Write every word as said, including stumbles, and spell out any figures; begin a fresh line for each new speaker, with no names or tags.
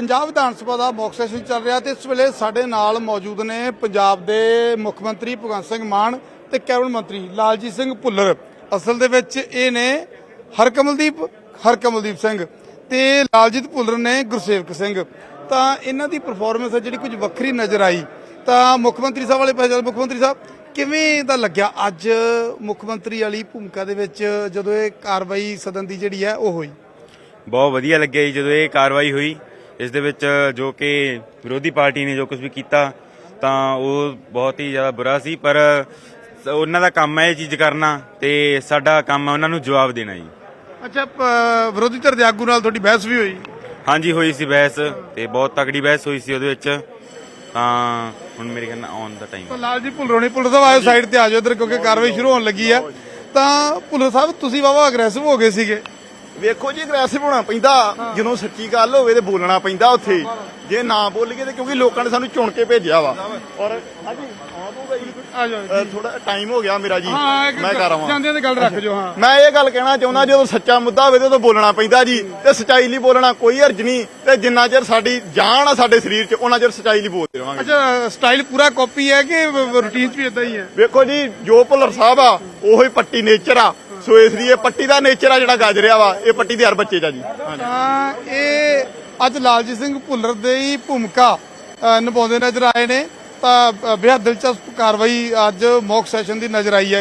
ਪੰਜਾਬ ਵਿਧਾਨ ਸਭਾ ਦਾ mock session ਚੱਲ ਰਿਹਾ ਤੇ ਇਸ ਵੇਲੇ ਸਾਡੇ ਨਾਲ ਮੌਜੂਦ ਨੇ ਪੰਜਾਬ ਦੇ ਮੁੱਖ ਮੰਤਰੀ ਭਗਵੰਤ ਸਿੰਘ ਮਾਨ ਤੇ ਕੈਬਨਿਟ ਮੰਤਰੀ ਲਾਲਜੀਤ ਸਿੰਘ ਭੁੱਲਰ। ਅਸਲ ਦੇ ਵਿੱਚ ਇਹ ਨੇ ਹਰਕਮਲਦੀਪ ਹਰਕਮਲਦੀਪ ਸਿੰਘ ਤੇ ਲਾਲਜੀਤ ਭੁੱਲਰ ਨੇ ਗੁਰਸੇਵਕ ਸਿੰਘ। ਤਾਂ ਇਹਨਾਂ ਦੀ ਪਰਫਾਰਮੈਂਸ ਹੈ ਜਿਹੜੀ ਕੁਝ ਵੱਖਰੀ ਨਜ਼ਰ ਆਈ। ਤਾਂ ਮੁੱਖ ਮੰਤਰੀ ਸਾਹਿਬ ਵਾਲੇ ਪਾਸੇ, ਮੁੱਖ ਮੰਤਰੀ ਸਾਹਿਬ ਕਿਵੇਂ ਦਾ ਲੱਗਿਆ ਅੱਜ ਮੁੱਖ ਮੰਤਰੀ ਵਾਲੀ ਭੂਮਿਕਾ ਦੇ ਵਿੱਚ ਜਦੋਂ ਇਹ ਕਾਰਵਾਈ ਸਦਨ ਦੀ ਜਿਹੜੀ ਹੈ ਉਹ ਹੋਈ?
ਬਹੁਤ ਵਧੀਆ ਲੱਗਿਆ ਜੀ ਜਦੋਂ ਇਹ ਕਾਰਵਾਈ ਹੋਈ। ਇਸ ਦੇ ਵਿੱਚ ਜੋ ਕਿ ਵਿਰੋਧੀ ਪਾਰਟੀ ਨੇ ਜੋ ਕੁਝ ਵੀ ਕੀਤਾ ਤਾਂ ਉਹ ਬਹੁਤ ਹੀ ਜ਼ਿਆਦਾ ਬੁਰਾ ਸੀ, ਪਰ ਉਹਨਾਂ ਦਾ ਕੰਮ ਹੈ ਇਹ ਚੀਜ਼ ਕਰਨਾ ਤੇ ਸਾਡਾ ਕੰਮ ਹੈ ਉਹਨਾਂ ਨੂੰ ਜਵਾਬ ਦੇਣਾ ਜੀ।
ਅੱਛਾ, ਵਿਰੋਧੀ ਧਿਰ ਦੇ ਆਗੂ ਨਾਲ ਤੁਹਾਡੀ ਬਹਿਸ ਵੀ ਹੋਈ?
ਹਾਂਜੀ ਹੋਈ ਸੀ ਬਹਿਸ, ਤੇ ਬਹੁਤ ਤਕੜੀ ਬਹਿਸ ਹੋਈ ਸੀ ਉਹਦੇ ਵਿੱਚ। ਤਾਂ ਹੁਣ ਮੇਰੇ ਖਿਆਲ ਨਾਲ ਆਨ ਦਾ ਟਾਈਮ।
ਲਾਲਜੀਤ ਭੁੱਲਰ ਹੋਣੀ, ਭੁੱਲਰ ਸਾਹਿਬ ਆਇਓ ਸਾਈਡ ਤੇ ਆ ਜਾਓ ਇੱਧਰ, ਕਿਉਂਕਿ ਕਾਰਵਾਈ ਸ਼ੁਰੂ ਹੋਣ ਲੱਗੀ ਆ। ਤਾਂ ਭੁੱਲਰ ਸਾਹਿਬ ਤੁਸੀਂ ਵਾਵਾ ਅਗਰੈਸਿਵ ਹੋ ਗਏ ਸੀਗੇ।
ਵੇਖੋ ਜੀ, ਅਗਰੈਸਿਵ ਹੋਣਾ ਪੈਂਦਾ ਜਦੋਂ ਸੱਚੀ ਗੱਲ ਹੋਵੇ ਤੇ ਬੋਲਣਾ ਪੈਂਦਾ ਉੱਥੇ। ਜੇ ਨਾ ਬੋਲੀਏ ਤੇ ਕਿਉਂਕਿ ਲੋਕਾਂ ਨੇ ਸਾਨੂੰ ਚੁਣ ਕੇ ਭੇਜਿਆ ਵਾ। ਔਰ ਹਾਂਜੀ
ਆ ਜਾਓ,
ਥੋੜਾ ਟਾਈਮ ਹੋ ਗਿਆ ਮੇਰਾ ਜੀ,
ਹਾਂ
ਮੈਂ ਕਰ ਆਵਾਂ।
ਜਾਂਦੇ ਤੇ ਗੱਲ ਰੱਖ ਜੋ। ਹਾਂ,
ਮੈਂ ਇਹ ਗੱਲ ਕਹਿਣਾ ਚਾਹੁੰਦਾ, ਜਦੋਂ ਸੱਚਾ ਮੁੱਦਾ ਹੋਵੇ ਤੇ ਉਦੋਂ ਬੋਲਣਾ ਪੈਂਦਾ ਜੀ, ਤੇ ਸੱਚਾਈ ਲਈ ਬੋਲਣਾ ਕੋਈ ਹਰਜ ਨਹੀਂ। ਤੇ ਜਿੰਨਾ ਚਿਰ ਸਾਡੀ ਜਾਨ ਆ ਸਾਡੇ ਸਰੀਰ 'ਚ ਉਹਨਾਂ ਚਿਰ ਸੱਚਾਈ ਲਈ ਬੋਲਦੇ ਰਵਾਂਗੇ।
ਅੱਛਾ, ਸਟਾਈਲ ਪੂਰਾ ਕਾਪੀ ਹੈ ਕਿ ਰੂਟੀਨ 'ਚ ਵੀ ਇਦਾਂ ਹੀ ਹੈ?
ਵੇਖੋ ਜੀ, ਜੋ ਭੁੱਲਰ ਸਾਹਿਬ ਆ ਉਹੀ ਪੱਟੀ ਨੇਚਰ ਆ, ਸੋ ਇਸ ਲਈ ਇਹ ਪੱਟੀ ਦਾ ਨੇਚਰ ਆ ਜਿਹੜਾ ਗੱਜ ਰਿਹਾ ਵਾ, ਇਹ ਪੱਟੀ ਦੇ ਹਰ ਬੱਚੇ 'ਚ ਆ ਜੀ।
ਤਾਂ ਇਹ ਅੱਜ ਲਾਲਜੀਤ ਸਿੰਘ ਭੁੱਲਰ ਦੇ ਹੀ ਭੂਮਿਕਾ ਨਿਭਾਉਂਦੇ ਨਜ਼ਰ ਆਏ ਨੇ। ਤਾਂ ਬੇहद ਦਿਲਚਸਪ ਕਾਰਵਾਈ ਅੱਜ ਮੌਕ ਸੈਸ਼ਨ ਦੀ ਨਜ਼ਰ ਆਈ ਹੈ।